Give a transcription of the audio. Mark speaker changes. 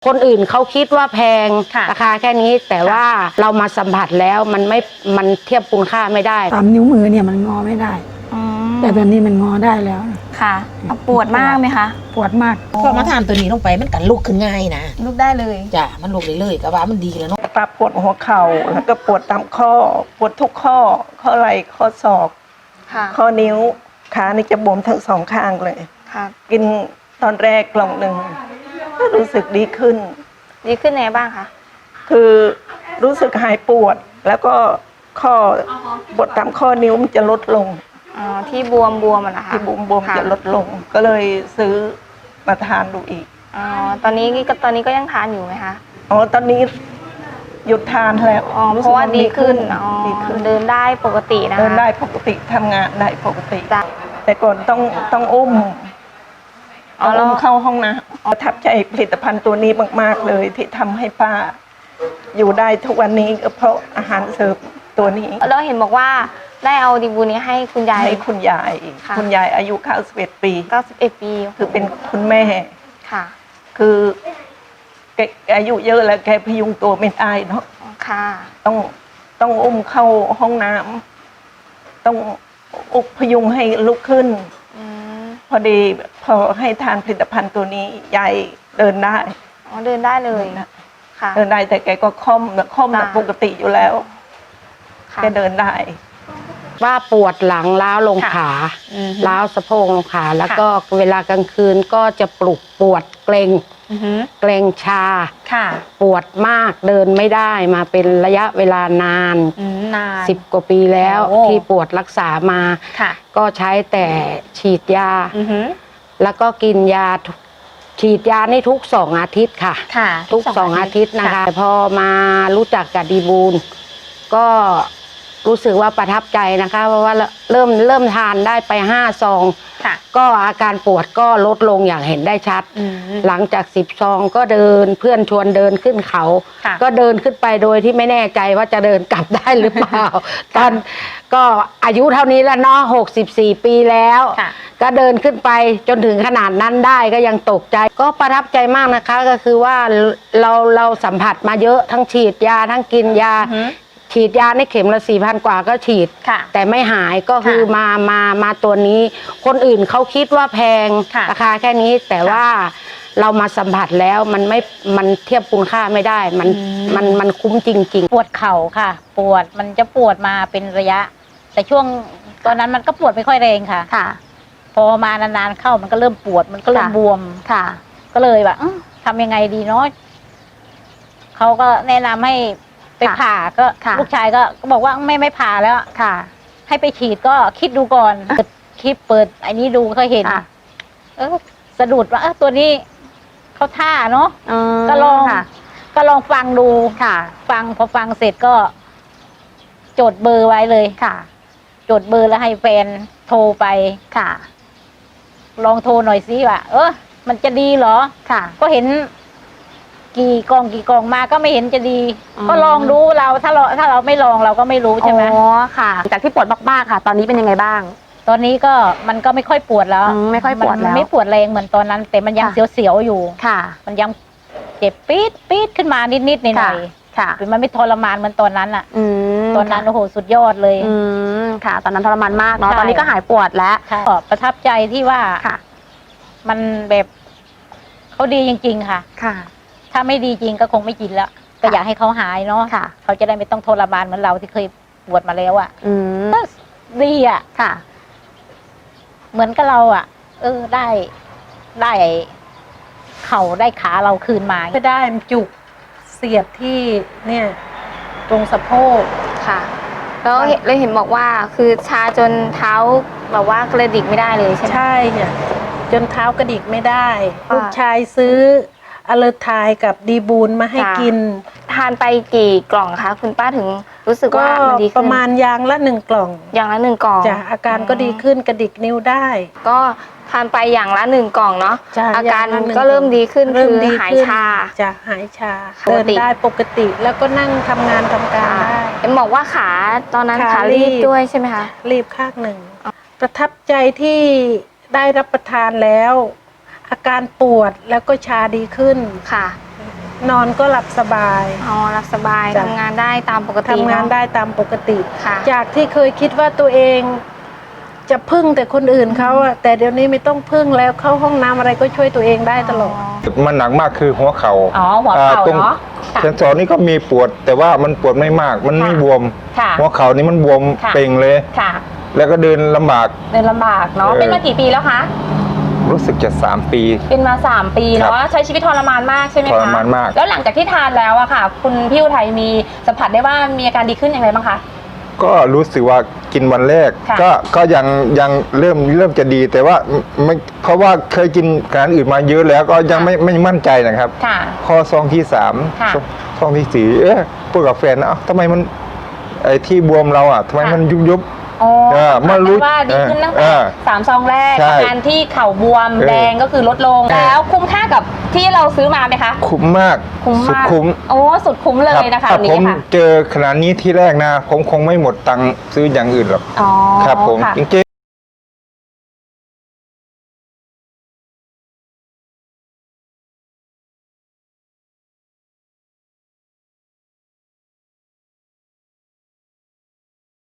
Speaker 1: คนอื่นเขาคิดว่าแพงราคาแค่นี้แต่ว่าเรามาสัมผัสแล้วมันเทียบคุณค่าไม่ได้
Speaker 2: ตามนิ้วมือเนี่ยมันงอไม่ได้แต่ตอนนี้มันงอได้แล้ว
Speaker 3: ค่ะปวดมากไหมคะ
Speaker 2: ปวดมาก
Speaker 4: พอมาทานตัวนี้ลงไปมันกันลุกขึ้นง่ายนะ
Speaker 3: ลุกได้เลย
Speaker 4: จ้ะมันลุกได้เลยก็ว่ามันดีแล้วเนาะ
Speaker 5: ปวดปวดหัวเข่าแล้วก็ปวดตามข้อปวดทุกข้อไหล่ข้อศอกข้อนิ้วขานี่จะบวมทั้งสองข้างเลยกินตอนแรกกล่องหนึ่งก็รู้สึกดีขึ้น
Speaker 3: ไงบ้างคะ
Speaker 5: คือรู้สึกหายปวดแล้วก็ข้อปวดตามข้อนิ้วมันจะลดลง
Speaker 3: ที่บวมอะนะคะ
Speaker 5: ที่บวมจะลดลงก็เลยซื้อมาทานดูอีก
Speaker 3: ตอนนี้ก็ยังทานอยู่ไหมคะ
Speaker 5: ตอนนี้หยุดทานแล้ว
Speaker 3: เพราะว่าดีขึ้นเดินได้ปกตินะ
Speaker 5: เดินได้ปกติทำงานได้ปกติแต่ก่อนต้องอุ้มเข้าห้องนะประทับใจผลิตภัณฑ์ตัวนี้มากๆเลยที่ทำให้ป้าอยู่ได้ทุกวันนี้ก็เพราะอาหารเสริมตัวนี้
Speaker 3: แล้วเห็นบอกว่าได้เอาดีบูนี้ให้คุณยาย
Speaker 5: คุณยายอายุ91 ปีคือเป็นคุณแม่
Speaker 3: ค่ะ
Speaker 5: คือแกอายุเยอะแล้วแกพยุงตัวไม่ได้เนาะ
Speaker 3: ค่ะ
Speaker 5: ต้องอุ้มเข้าห้องน้ำต้องพยุงให้ลุกขึ้นพอดีพอให้ทานผลิตภัณฑ์ตัวนี้ยายเดินได้
Speaker 3: เดินได้เลย
Speaker 5: ค่ะเดินได้แต่แกก็ค่อมปกติอยู่แล้วแกเดินได้
Speaker 1: ว่าปวดหลังล้าวลงขาล้าวสะโพกลงขาแล้วก็เวลากลางคืนก็จะปวดเกร็งชาปวดมากเดินไม่ได้มาเป็นระยะเวลานาน10 กว่าปีแล้วที่ปวดรักษามาก็ใช้แต่ฉีดยาแล้วก็กินยาฉีดยาในทุก2 อาทิตย์ค่ะทุก2 อาทิตย์นะคะพอมารู้จักกับดีบูลก็รู้สึกว่าประทับใจนะคะเพราะว่าเริ่มทานได้ไป5 ซองก็อาการปวดก็ลดลงอย่างเห็นได้ชัดหลังจาก10 ซองก็เดินเพื่อนชวนเดินขึ้นเขาก็เดินขึ้นไปโดยที่ไม่แน่ใจว่าจะเดินกลับได้หรือเปล่าตอนก็อายุเท่านี้แล้วเนาะ64 ปีแล้วก็เดินขึ้นไปจนถึงขนาดนั้นได้ก็ยังตกใจก็ประทับใจมากนะคะก็คือว่าเราสัมผัสมาเยอะทั้งฉีดยาทั้งกินยาฉีดยาในเข็มละ4,000 กว่าก็ฉีดแต่ไม่หายก็คือมาตัวนี้คนอื่นเขาคิดว่าแพงราคาแค่นี้แต่ว่าเรามาสัมผัสแล้วมันเทียบคุณค่าไม่ได้มันคุ้มจริง
Speaker 6: ๆปวดเข่าค่ะมันจะปวดมาเป็นระยะแต่ช่วงตอนนั้นมันก็ปวดไม่ค่อยแรงค่ะพอมานานๆเข้ามันก็เริ่มปวดมันก็เริ่มบวมก็เลยแบบทำยังไงดีเนาะเขาก็แนะนำให้ไปผ่าก็ลูกชายก็บอกว่าไม่ผ่าแล้วให้ไปฉีดก็คิดดูก่อนคลิปเปิดไอ้นี้ดูเขาเห็นสะดุดว่าตัวนี้เขาท่าเนาะก็ลองฟังดูพอฟังเสร็จก็จดเบอร์ไว้เลยจดเบอร์แล้วให้แฟนโทรไปลองโทรหน่อยสิว่ามันจะดีเหรอก็เห็นกี่กล่องมาก็ไม่เห็นจะดีก็ลองดูถ้าเราไม่ลองเราก็ไม่รู้ใช่ไหม
Speaker 3: ค่ะจากที่ปวดมากๆค่ะตอนนี้เป็นยังไงบ้าง
Speaker 6: ตอนนี้ก็มันก็ไม่ค่อยปวดแล้ว
Speaker 3: ไม่ค่อยปวดแล้ว
Speaker 6: ไม่ปวดแรงเหมือนตอนนั้นแต่มันยังเสียวๆอยู่มันยังเจ็บปี๊ดขึ้นมานิดๆหน่อยๆมันไม่ทรมานเหมือนตอนนั้นอ่ะตอนนั้นโอ้โหสุดยอดเลย
Speaker 3: ค่ะตอนนั้นทรมานมากเนาะตอนนี้ก็หายปวดแล้ว
Speaker 6: ประทับใจที่ว่ามันแบบเขาดีจริงๆค่ะถ้าไม่ดีจริงก็คงไม่กินแล้วก็อยากให้เขาหายเนาะเขาจะได้ไม่ต้องทรมานเหมือนเราที่เคยปวดมาแล้วอ่ะดีอ่ะเหมือนกับเราอ่ะได้เข่าได้ขาเราคืนมา
Speaker 2: ก็ได้จุกเสียบที่เนี่ยตรงสะโพก
Speaker 3: แล้วเห็นบอกว่าคือชาจนเท้าแบบว่ากระดิกไม่ได้เลยใช่ไหม
Speaker 2: ใช่ค่ะจนเท้ากระดิกไม่ได้ลูกชายซื้ออเลอร์ไทยกับดีบูลมาให้กิน
Speaker 3: ทานไปกี่กล่องคะคุณป้าถึงรู้สึกว่ามันดีขึ้น
Speaker 2: ประมาณยางละ1 กล่อง
Speaker 3: อย่างละ1 กล่อง
Speaker 2: จ้ะอาการก็ดีขึ้นกระดิกนิ้วได้
Speaker 3: ก็ทานไปอย่างละ1 กล่องเนาะอาการก็เริ่มดีขึ้นคือหายชา
Speaker 2: จะหายชาเดินได้ปกติแล้วก็นั่งทำงานทำการได้
Speaker 3: เอ็มบอกว่าขาตอนนั้นขารีบด้วยใช่ไหมคะ
Speaker 2: รีบข้างหนึ่งประทับใจที่ได้รับประทานแล้วอาการปวดแล้วก็ชาดีขึ้น
Speaker 3: ค่ะ
Speaker 2: นอนก็หลับสบาย
Speaker 3: อ๋อรับสบาย
Speaker 2: จ้ะ
Speaker 3: ทำงานได้ตามปกติ
Speaker 2: ทำงาน
Speaker 3: เอะ
Speaker 2: ได้ตามปกติ
Speaker 3: ค่ะ
Speaker 2: จากที่เคยคิดว่าตัวเองจะพึ่งแต่คนอื่นเขาอะแต่เดี๋ยวนี้ไม่ต้องพึ่งแล้วเข้าห้องน้ำอะไรก็ช่วยตัวเองได้ตลอด
Speaker 7: มันหนักมากคือหัวเข่า
Speaker 8: อ๋อหัวเข่า
Speaker 7: ตรง
Speaker 8: เนาะค่ะ
Speaker 7: เซนสอนนี่ก็มีปวด แต่ว่ามันปวดไม่มาก มันไม่
Speaker 8: ค่ะ
Speaker 7: บวม
Speaker 8: ค่ะ
Speaker 7: หัวเข่านี่มันบวม
Speaker 8: ค่ะ
Speaker 7: เป่งเลย
Speaker 8: ค่ะ
Speaker 7: แล้วก็เดินลำบาก
Speaker 8: เดินลำบากเนาะ เป็นมากี่ปีแล้วคะ
Speaker 7: รู้สึกจะ3 ปี
Speaker 8: เป็นมา3 ปีเนาะใช้ชีวิตทรมานมากใช่ไหมคะ
Speaker 7: ทรมานมาก
Speaker 8: แล้วหลังจากที่ทานแล้วอะค่ะ คุณพี่อุทัยมีสัมผัสได้ว่ามีอาการดีขึ้นอย่างไรบ้างคะ
Speaker 7: ก็รู้สึกว่ากินวันแรก
Speaker 8: ค่ะ
Speaker 7: ก็ยังเริ่มจะดี แต่ว่าไม่เพราะว่าเคยกินการอื่นมาเยอะแล้วก็ยังไม่มั่นใจนะครับ
Speaker 8: ค่ะ
Speaker 7: ข้อซองที่3
Speaker 8: ค่ะ
Speaker 7: ซองที่4พูดกับแฟนนะเอ้าทำไมมันไอ้ที่บวมเราอ่ะทำไมมันยุบ
Speaker 8: อ๋อ
Speaker 7: มารู้
Speaker 8: ว่าดีขึ้นตั้งแต่ 3 ซองแรก
Speaker 7: ใช่
Speaker 8: อาการที่เข่าบวม
Speaker 7: เออ
Speaker 8: แดงก็คือลดลง แล้วคุ้มค่ากับที่เราซื้อมาไหมคะ
Speaker 7: คุ้มมาก
Speaker 8: คุ้ม
Speaker 7: สุด
Speaker 8: มาก
Speaker 7: คุ้ม
Speaker 8: โอ้สุดคุ้มเลยนะคะ
Speaker 7: ถ้า
Speaker 8: อัน
Speaker 7: ผ
Speaker 8: นี้
Speaker 7: ม
Speaker 8: ค่ะ
Speaker 7: เจอขนาดนี้ที่แรกนะ ผมคงไม่หมดตังค์ซื้ออย่างอื่นหรอก
Speaker 8: อ๋อ
Speaker 7: ครับผม
Speaker 8: ค่ะ
Speaker 7: จริงๆ